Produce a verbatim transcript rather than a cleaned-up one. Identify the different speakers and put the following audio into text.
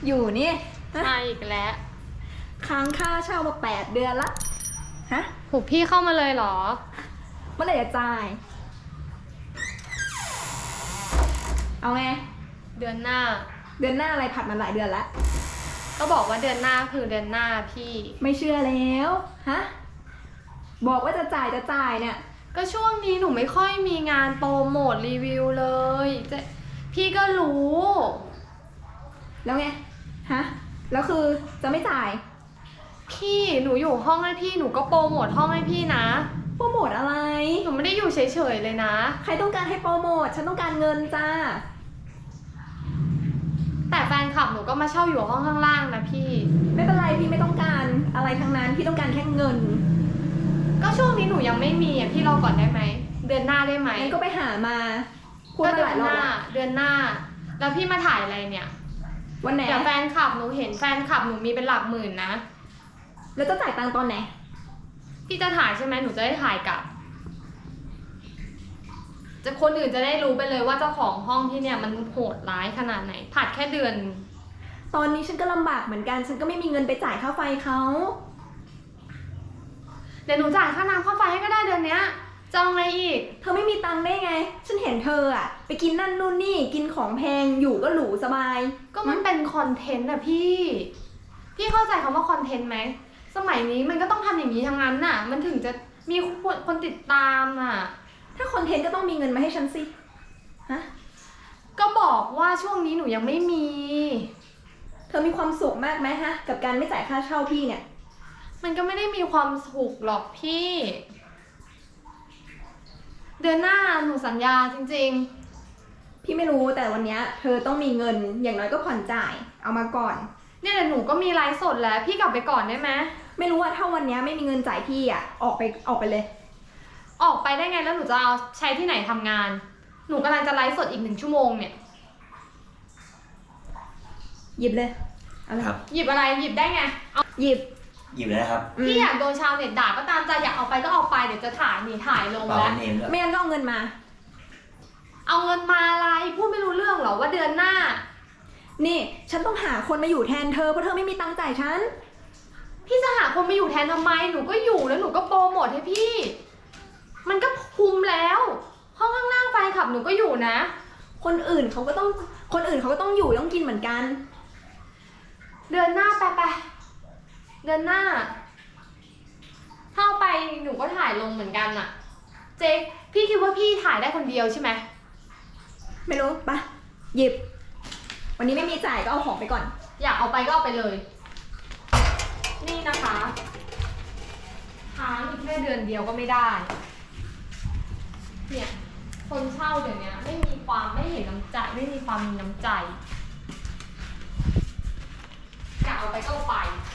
Speaker 1: อยู่นี่
Speaker 2: มาอีกแล้ว
Speaker 1: ค้างค่าเช่ามาแปดเดือนละฮะ
Speaker 2: หูพี่เข้ามาเลยเหรอ
Speaker 1: เมื่อไหร่จะจ่ายเอาไง
Speaker 2: เดือนหน้า
Speaker 1: เดือนหน้าอะไรผัดมาหลายเดือนแล้ว
Speaker 2: ก็บอกว่าเดือนหน้าคือเดือนหน้าพี่
Speaker 1: ไม่เชื่อแล้วฮะบอกว่าจะจ่ายจะจ่ายเนี่ย
Speaker 2: ก็ช่วงนี้หนูไม่ค่อยมีงานโปรโมทรีวิวเลยจะพี่ก็รู้
Speaker 1: แล้วไงฮะแล้วคือจะไม่จ่าย
Speaker 2: พี่หนูอยู่ห้องให้พี่หนูก็โปรโมทห้องให้พี่นะ
Speaker 1: โปรโมทอะไร
Speaker 2: หนูไม่ได้อยู่เฉยๆเลยนะ
Speaker 1: ใครต้องการให้โปรโมทฉันต้องการเงินจ้า
Speaker 2: แต่แฟนคลับหนูก็มาเช่าอยู่ห้องข้างล่างนะพี่
Speaker 1: ไม่เป็นไรพี่ไม่ต้องการอะไรทั้งนั้นพี่ต้องการแค่เงิน
Speaker 2: ก็ช่วงนี้หนูยังไม่มีอ่ะพี่รอก่อนได้ไหมเดือนหน้าได้ไหม
Speaker 1: งั้นก็ไปหามา
Speaker 2: พูดมาหลายรอบเดือนหน้าแล้วพี่มาถ่ายอะไรเนี่ย
Speaker 1: วันไหน
Speaker 2: เดี๋ยวแฟนคลับหนูเห็นแฟนคลับหนูมีเป็นหลักหมื่นนะ
Speaker 1: แล้วจะจ่ายตังค์ตอนไหน
Speaker 2: พี่จะถ่ายใช่ไหมหนูจะได้ถ่ายกลับจะคนอื่นจะได้รู้ไปเลยว่าเจ้าของห้องที่เนี่ยมันโหดร้ายขนาดไหนผัดแค่เดือน
Speaker 1: ตอนนี้ฉันก็ลำบากเหมือนกันฉันก็ไม่มีเงินไปจ่ายค่าไฟเขา
Speaker 2: เดี๋ยวหนูจ่ายค่าน้ำค่าไฟให้ก็ได้เดือนเนี้ยจองอะไรอีก
Speaker 1: เธอไม่มีตังค์ได้ไงฉันเห็นเธออะไปกินนั่นนู่นนี่กินของแพงอยู่ก็หรูสบาย
Speaker 2: ก็มันเป็นคอนเทนต์อะพี่พี่เข้าใจคำว่าคอนเทนต์ไหมสมัยนี้มันก็ต้องทำอย่างนี้ทั้งนั้นน่ะมันถึงจะมีคนติดตามอ่ะ
Speaker 1: ถ้าคอนเทนต์ก็ต้องมีเงินมาให้ฉันสิฮะ
Speaker 2: ก็บอกว่าช่วงนี้หนูยังไม่มี
Speaker 1: เธอมีความสุขมากไหมฮะกับการไม่จ่ายค่าเช่าพี่เนี่ย
Speaker 2: มันก็ไม่ได้มีความสุขหรอกพี่เดือนหน้าหนูสัญญาจริง
Speaker 1: ๆพี่ไม่รู้แต่วันนี้เธอต้องมีเงินอย่างน้อยก็ผ่อนจ่ายเอามาก่อน
Speaker 2: เนี่ยเดี๋ยวหนูก็มีไลฟ์สดแล้วพี่กลับไปก่อนได้ไหม
Speaker 1: ไม่รู้ว่าถ้าวันนี้ไม่มีเงินจ่ายพี่อ่ะออกไปออกไปเลย
Speaker 2: ออกไปได้ไงแล้วหนูจะเอาใช้ที่ไหนทำงานหนูกำลังจะไลฟ์สดอีกหนึ่งชั่วโมงเนี่ย
Speaker 1: หยิบเลย
Speaker 3: อะไรครับ
Speaker 2: หยิบอะไรหยิบได้ไงเอา
Speaker 1: หยิบ
Speaker 3: หยิบเลยนะครับ
Speaker 2: พี่อยากโดนชาวเน็ตด่าก็ตามใจอยากเอาไปก็เอาไปเดี๋ยวจะถ่ายหนีถ่ายลงแล้ว
Speaker 1: ไม่งั้นก็เอาเงินมา
Speaker 2: เอาเงินมาอะไรพูดไม่รู้เรื่องหรอว่าเดือนหน้า
Speaker 1: นี่ฉันต้องหาคนมาอยู่แทนเธอเพราะเธอไม่มีตังค์จ่ายฉัน
Speaker 2: พี่จะหาคนมาอยู่แทนทำไมหนูก็อยู่แล้วหนูก็โปรโมทให้พี่มันก็คุมแล้วห้องข้างล่างแฟนคลับหนูก็อยู่นะ
Speaker 1: คนอื่นเขาก็ต้องคนอื่นเขาก็ต้องอยู่ต้องกินเหมือนกัน
Speaker 2: เดือนหน้าไปไปเดือนหน้าถ้าไปหนูก็ถ่ายลงเหมือนกันอะเจ๊พี่คิดว่าพี่ถ่ายได้คนเดียวใช่ไหม
Speaker 1: ไม่รู้ปะหยิบวันนี้ไม่มีจ่ายก็เอาของไปก่อน
Speaker 2: อยากเอาไปก็เอาไปเลยนี่นะคะค้างอีกแค่เดือนเดียวก็ไม่ได้เนี่ยคนเช่าเดี๋ยวนี้ไม่มีความไม่เห็นน้ำใจไม่มีความมีน้ำใจอยากเอาไปก็เอาไป